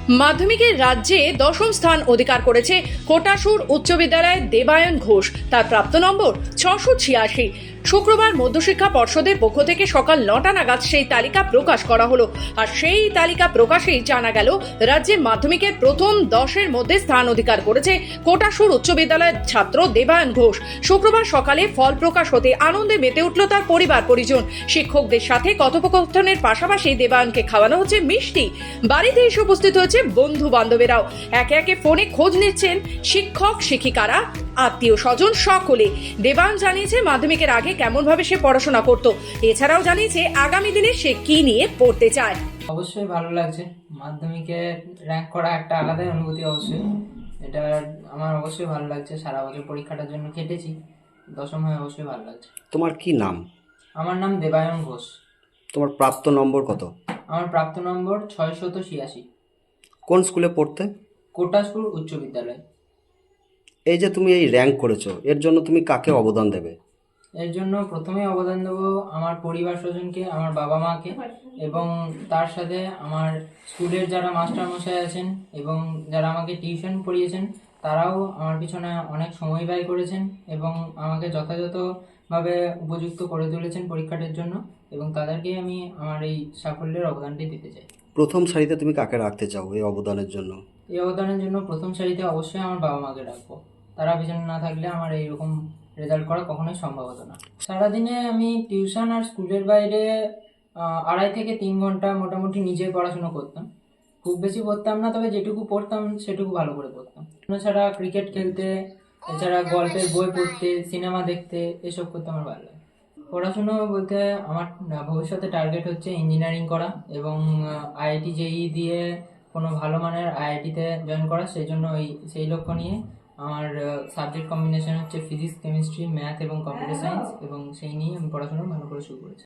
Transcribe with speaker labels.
Speaker 1: মাধ্যমিকের রাজ্যে দশম স্থান অধিকার করেছে কোটাসুর উচ্চ বিদ্যালয়ের দেবায়ন ঘোষ। তার প্রাপ্ত নম্বর 686। শুক্রবার মধ্যশিক্ষা পর্ষদের পক্ষ থেকে সকাল 9টা নাগাদ সেই তালিকা প্রকাশ করা হলো। আর সেই তালিকা প্রকাশেই জানা গেল রাজ্যে মাধ্যমিকের প্রথম 10-এর মধ্যে স্থান অধিকার করেছে কোটাসুর উচ্চ বিদ্যালয়ের ছাত্র দেবায়ন ঘোষ। শুক্রবার সকালে ফল প্রকাশ হতে আনন্দে মেতে উঠল তার পরিবার পরিজন। শিক্ষকদের সাথে কথোপকথনের পাশাপাশি দেবায়নকে খাওয়ানো হচ্ছে মিষ্টি। বাড়িতে এসে উপস্থিত হয়েছে বন্ধু বান্ধবেরাও। একে একে ফোনে খোঁজ নিচ্ছেন শিক্ষক শিক্ষিকারা, আত্মীয় স্বজন সকলে। দেবায়ন জানিয়েছে মাধ্যমিকের আগে কেমন ভাবে সে পড়াশোনা করত, এছাড়াও জানিয়েছে আগামী দিনে সে কি নিয়ে পড়তে চায়।
Speaker 2: অবশ্যই ভালো লাগছে। মাধ্যমিকে র্যাঙ্ক করা একটা আলাদাই অনুভূতি। অবশ্যই এটা আমার অবশ্যই ভালো লাগছে। সারা বছর পরীক্ষাটার জন্য কেটেছি, দশম হয়ে অবশ্যই ভালো লাগছে।
Speaker 3: তোমার কি নাম?
Speaker 2: আমার নাম দেবায়ন ঘোষ।
Speaker 3: তোমার প্রাপ্ত নম্বর কত?
Speaker 2: আমার প্রাপ্ত নম্বর 686।
Speaker 3: কোন স্কুলে পড়তে?
Speaker 2: কোটাসপুর উচ্চ বিদ্যালয়।
Speaker 3: এই যে তুমি এই র্যাঙ্ক করেছো, এর জন্য তুমি কাকে অবদান দেবে?
Speaker 2: এর জন্য প্রথমেই অবদান দেবো আমার পরিবার স্বজনকে, আমার বাবা মাকে, এবং তার সাথে আমার স্কুলের যারা মাস্টার মশাই আছেন এবং যারা আমাকে টিউশন পড়িয়েছেন তারাও আমার পিছনে অনেক সময় ব্যয় করেছেন এবং আমাকে যথাযথভাবে উপযুক্ত করে তুলেছেন পরীক্ষাটার জন্য, এবং তাদেরকে আমি আমার এই সাফল্যের অবদানটি দিতে চাই।
Speaker 3: প্রথম সারিতে তুমি কাকে রাখতে চাও এই অবদানের জন্য?
Speaker 2: এই অবদানের জন্য প্রথম সারিতে অবশ্যই আমার বাবা মাকে রাখবো। তারা পিছনে না থাকলে আমার এইরকম রেজাল্ট করা কখনোই সম্ভব হতো না। সারাদিনে আমি টিউশন আর স্কুলের বাইরে 2.5 থেকে 3 ঘন্টা মোটামুটি নিজে পড়াশোনা করতাম। খুব বেশি পড়তাম না, তবে যেটুকু পড়তাম সেটুকু ভালো করে পড়তাম। এছাড়া ক্রিকেট খেলতে, এছাড়া গল্পের বই পড়তে, সিনেমা দেখতে, এসব করতে আমার ভালো লাগে। পড়াশুনো বলতে আমার ভবিষ্যতে টার্গেট হচ্ছে ইঞ্জিনিয়ারিং করা এবং আইআইটি জেইই দিয়ে কোনো ভালো মানের আইআইটিতে জয়েন করা। সেই জন্য সেই লক্ষ্য নিয়ে আমার সাবজেক্ট কম্বিনেশন হচ্ছে ফিজিক্স, কেমিস্ট্রি, ম্যাথ এবং কম্পিউটার সায়েন্স, এবং সেই নিয়ে আমি পড়াশোনা ভালো করে শুরু করেছি।